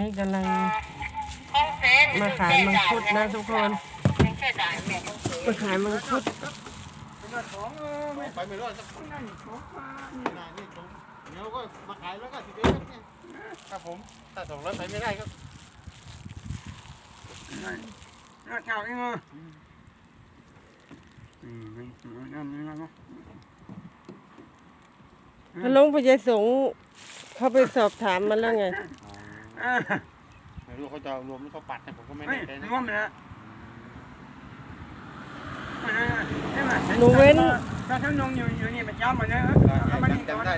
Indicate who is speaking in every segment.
Speaker 1: นี้กำลังมาขายมังคุดนะทุกคนมาขายมังคุด
Speaker 2: ไปไม่รอดสักคนนั่นนี่ตรงเดี๋ยวก็มาขายแล้วก็สิบเอ็ดเนี่ยครับผมถ้า200ไปไม่ได้ครับ
Speaker 3: น่าเก่าเองอ่ะนั่นนี่นะ
Speaker 1: ลงพญายสงฆ์เขาไปสอบถามมาแล้วไง
Speaker 2: ไม่รู้เขาจะรวมหรือเขาปัดนะผมก็ไม่แน่ใจนะ
Speaker 3: รวมเลย
Speaker 1: หนูเว้น
Speaker 3: ถ้าท่านนงอยู่นี่ประจำเหมือนเดิม
Speaker 2: จำได้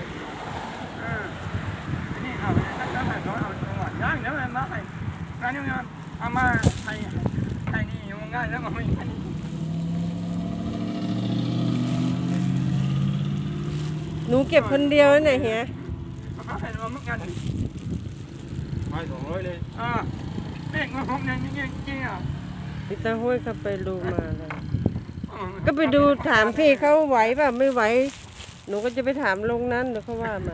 Speaker 3: นี่เอาแล้วให้เขาเอาตัวย่างเดี๋ยวมาให้ร้านนี้เอามาให้นี่อยู่ง่ายแล้วมันไม่
Speaker 1: หนูเก็บคนเดียวนะเฮีย
Speaker 3: ให้รวมกัน
Speaker 2: ไม่200เลย
Speaker 3: เด็กมาผมเนี่ยจริงๆอ่ะ
Speaker 1: พี่ตาห้วยเขาไปดูมาเลยก็ไปดูถามพี่เขาไหวป่ะไม่ไหวหนูก็จะไปถามลงนั้นเดี๋ยวเขาว่ามา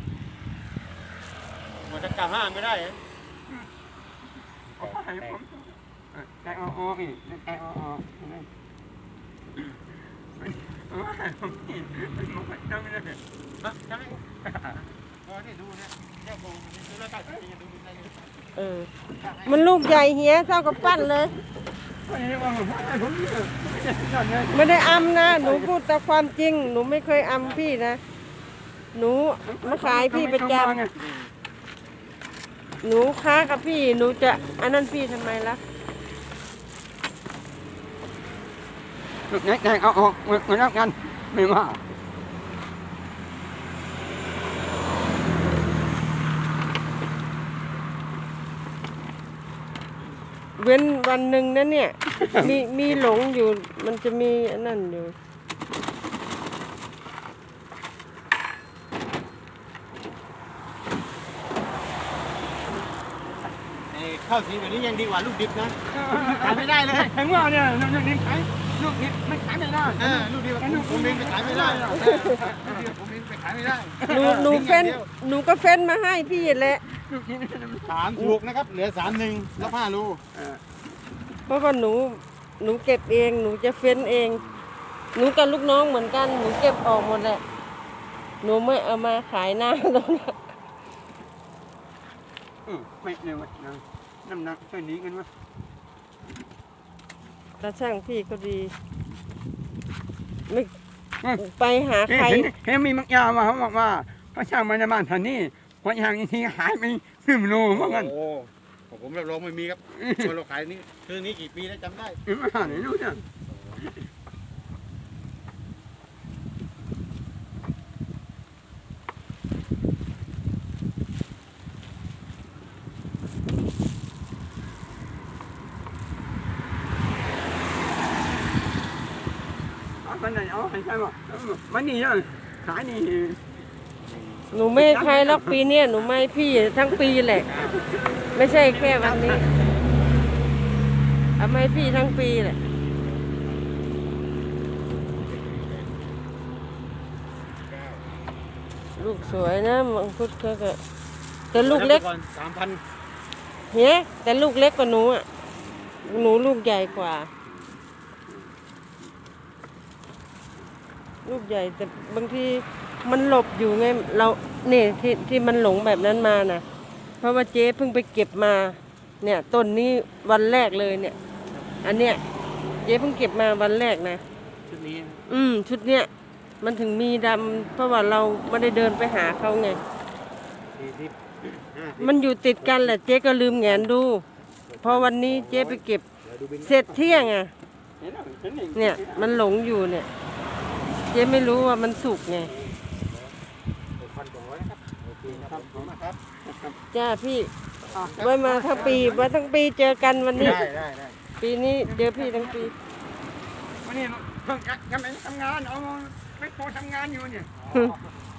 Speaker 2: มันจะกลับห้างไม่ได้
Speaker 3: แกะออกอีกแกะออกจำไม่ได้
Speaker 2: จำไม่นี่ดูเนี่ยแค่โบมันดูแล้วกันดูได้
Speaker 1: มันลูกใหญ่เฮียเท่ากับปั้นเลยไม่ได้อำนะหนูพูดแต่ความจริงหนูไม่เคยอำพี่นะหนูมาขายพี่ประจำหนูค้ากับพี่หนูจะอันนั้นพี่ทำไมล่ะ
Speaker 3: แกะเอาออกเหมือนกันไม่ว่า
Speaker 1: เว้นวันหนึ่งนะเนี่ยมีหลงอยู่มันจะมีอันนั้นอยู่
Speaker 2: ข้าวสีแบบนี้ยังดีกว่าลูกดิบนะขายไม่ได้เลย
Speaker 3: แข็งว่าเนี่ยลูกดิบลูกดิบไม่ขายไม่ได้
Speaker 2: ลูกดิบผมเองไปขายไม่ได้ผมเองไปขายไม่ได้
Speaker 1: หนูก็เฟ้นมาให้พี่แหละ
Speaker 2: 3 ถูกนะครับเหลือ3-1แล้ว5 รู
Speaker 1: เพราะว่าหนูเก็บเองหนูจะเฟ้นเองหนูกับลูกน้องเหมือนกันหนูเก็บออกหมดแหละหนูไม่เอามาขายหน้าตรงนั้น
Speaker 3: ไม่เร็วน้ำหนักช่วยนี้กันวะ
Speaker 1: ตาช่างพี่ก็ดีไม่ไปหาใคร
Speaker 3: เห็นมีมักยามาเขาบอกว่าเขาช่างมาในบ้านท่านนี่พออย่างนี้หายไป1 โลเหมือนกัน
Speaker 2: โอ้ผมรับรองไม่มีครับเราขายนี่คือนี้กี่ปีแล้วจำได้
Speaker 3: ไหนรู้เนี่ยมันไหนเอาใช่ไหมมันนี่ยังขายนี่
Speaker 1: หนูไม่ใครล็อกปีเนี่ยหนูไม่พี่ทั้งปีแหละไม่ใช่แค่วันนี้เอาไม่พี่ทั้งปีแหละลูกสวยนะมังคุดก็แต่ลูกเล็ก
Speaker 2: 3,000
Speaker 1: เฮ้ยแต่ลูกเล็กกว่าหนูอ่ะหนูลูกใหญ่กว่าลูกใหญ่แต่บางทีมันหลบอยู่ไงเราเนี่ยที่มันหลงแบบนั้นมานะเพราะว่าเจ๊เพิ่งไปเก็บมาเนี่ยต้นนี้วันแรกเลยเนี่ยอันเนี้ยเจ๊เพิ่งเก็บมาวันแรกนะ
Speaker 2: ชุดนี้
Speaker 1: ชุดเนี้ยมันถึงมีดำเพราะว่าเราไม่ได้เดินไปหาเขาไงมันอยู่ติดกันแหละเจ๊ก็ลืมแงนดูพอวันนี้เจ๊ไปเก็บเสร็จเที่ยงอ่ะเนี่ยมันหลงอยู่เนี่ยเจ๊ไม่รู้ว่ามันสุกไงจ้าพี่ไว้มาทั้งปีเจอกันวันนี้ปีนี้เจอพี่ทั้งปี
Speaker 3: วันนี้ทำงานเอาไม่พอทำงานอยู่เนี่ย